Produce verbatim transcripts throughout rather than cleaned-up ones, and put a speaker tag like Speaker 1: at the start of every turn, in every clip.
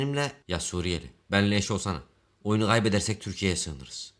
Speaker 1: Benimle ya Suriyeli. Benimle eş olsana. Oyunu kaybedersek Türkiye'ye sığınırız.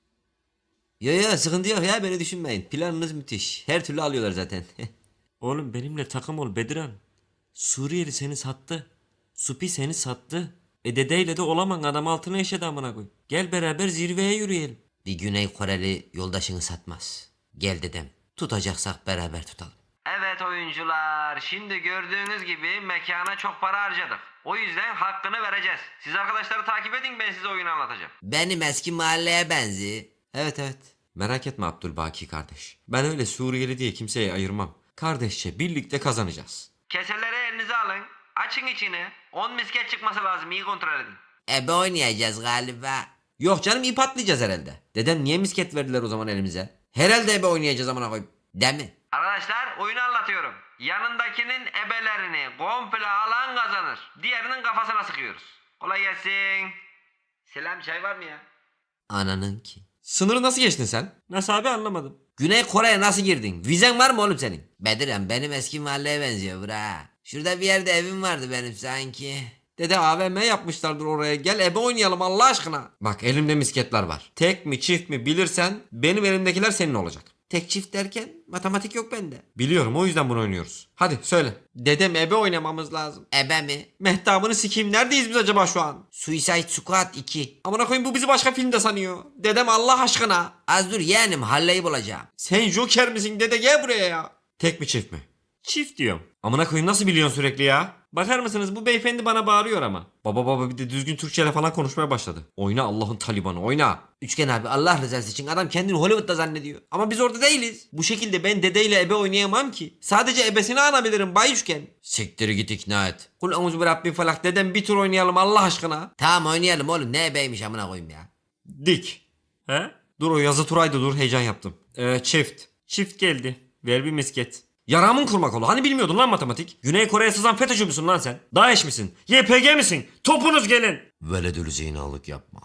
Speaker 1: Yo yo sıkıntı yok ya, beni düşünmeyin. Planınız müthiş. Her türlü alıyorlar zaten.
Speaker 2: Oğlum benimle takım ol Bediran. Suriyeli seni sattı. Supi seni sattı. E dedeyle de olaman, adam altına eşedi amına koy. Gel beraber zirveye yürüyelim.
Speaker 1: Bir Güney Koreli yoldaşını satmaz. Gel dedem. Tutacaksak beraber tutalım. Evet oyuncular, şimdi gördüğünüz gibi mekana çok para harcadık. O yüzden hakkını vereceğiz. Siz arkadaşları takip edin, ben size oyunu anlatacağım. Benim eski mahalleye benzi. Evet evet. Merak etme Abdülbaki kardeş. Ben öyle Suriyeli diye kimseye ayırmam. Kardeşçe birlikte kazanacağız. Keseleri elinize alın. Açın içini. on misket çıkması lazım, iyi kontrol edin. Ebe oynayacağız galiba. Yok canım, ip atlayacağız herhalde. Dedem niye misket verdiler o zaman elimize? Herhalde ebe oynayacağız amına koyayım. Değil mi? Arkadaşlar oyunu anlatıyorum. Yanındakinin ebelerini komple alan kazanır. Diğerinin kafasına sıkıyoruz. Kolay gelsin. Selam, çay var mı ya? Ananın ki. Sınırı nasıl geçtin sen?
Speaker 2: Nasıl abi, anlamadım.
Speaker 1: Güney Kore'ye nasıl girdin? Vizen var mı oğlum senin? Bedirem, benim eski mahalleye benziyor bura. Şurada bir yerde evim vardı benim sanki. Dede A V M yapmışlardır oraya. Gel ebe oynayalım Allah aşkına. Bak elimde misketler var. Tek mi çift mi bilirsen benim elimdekiler senin olacak. Tek çift derken matematik yok bende. Biliyorum, o yüzden bunu oynuyoruz. Hadi söyle. Dedem ebe oynamamız lazım. Ebe mi? Mehtabını sikeyim, neredeyiz biz acaba şu an? Suicide Squad iki. Amına koyayım, bu bizi başka filmde sanıyor. Dedem Allah aşkına. Az dur yeğenim, halleyi bulacağım. Sen Joker misin dede, gel buraya ya. Tek mi çift mi?
Speaker 2: Çift diyorum.
Speaker 1: Amına koyayım, nasıl biliyorsun sürekli ya?
Speaker 2: Bakar mısınız, bu beyefendi bana bağırıyor ama.
Speaker 1: Baba baba bir de düzgün Türkçeyle falan konuşmaya başladı. Oyna Allah'ın Talibanı, oyna. Üçgen abi, Allah rızası için adam kendini Hollywood'da zannediyor. Ama biz orada değiliz. Bu şekilde ben dedeyle ebe oynayamam ki. Sadece ebesini anabilirim Bay Üçgen. Siktir git, ikna et. Kul emuzu bi rabbin falak, dedem bir tur oynayalım Allah aşkına. Tamam oynayalım oğlum, ne ebeymiş amına koyayım ya.
Speaker 2: Dik. He?
Speaker 1: Dur, o yazı turaydı, dur heyecan yaptım. Ee, çift.
Speaker 2: Çift geldi. Ver bir misket.
Speaker 1: Yaramın kurmak oğlu, hani bilmiyordun lan matematik?
Speaker 2: Güney Kore'ye sızan FETÖ'cü müsün lan sen? DAEŞ misin? Y P G misin? Topunuz gelin.
Speaker 1: Veledül zinalık yapma.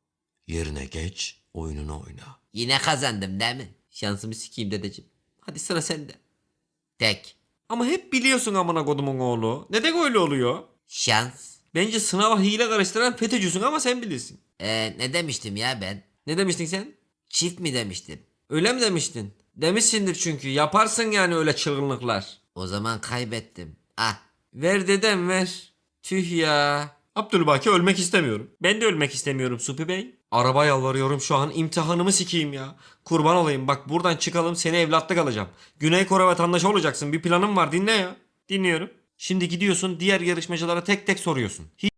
Speaker 1: Yerine geç, oyununu oyna. Yine kazandım değil mi? Şansımı sikeyim dedeciğim. Hadi sıra sende. Tek.
Speaker 2: Ama hep biliyorsun amına kodumun oğlu. Neden öyle oluyor?
Speaker 1: Şans.
Speaker 2: Bence sınava hile karıştıran FETÖ'cüsün ama sen bilirsin.
Speaker 1: Ee, ne demiştim ya ben?
Speaker 2: Ne demiştin sen?
Speaker 1: Çift mi demiştim?
Speaker 2: Öyle mi demiştin? Demişsindir çünkü. Yaparsın yani öyle çılgınlıklar.
Speaker 1: O zaman kaybettim. Ah.
Speaker 2: Ver dedem ver. Tüh ya.
Speaker 1: Abdülbaki, ölmek istemiyorum.
Speaker 2: Ben de ölmek istemiyorum Supi Bey.
Speaker 1: Araba yalvarıyorum şu an, imtihanımı sikeyim ya. Kurban olayım, bak buradan çıkalım, seni evlatlık alacağım. Güney Kore vatandaşı olacaksın, bir planım var, dinle ya.
Speaker 2: Dinliyorum.
Speaker 1: Şimdi gidiyorsun, diğer yarışmacılara tek tek soruyorsun. Hiç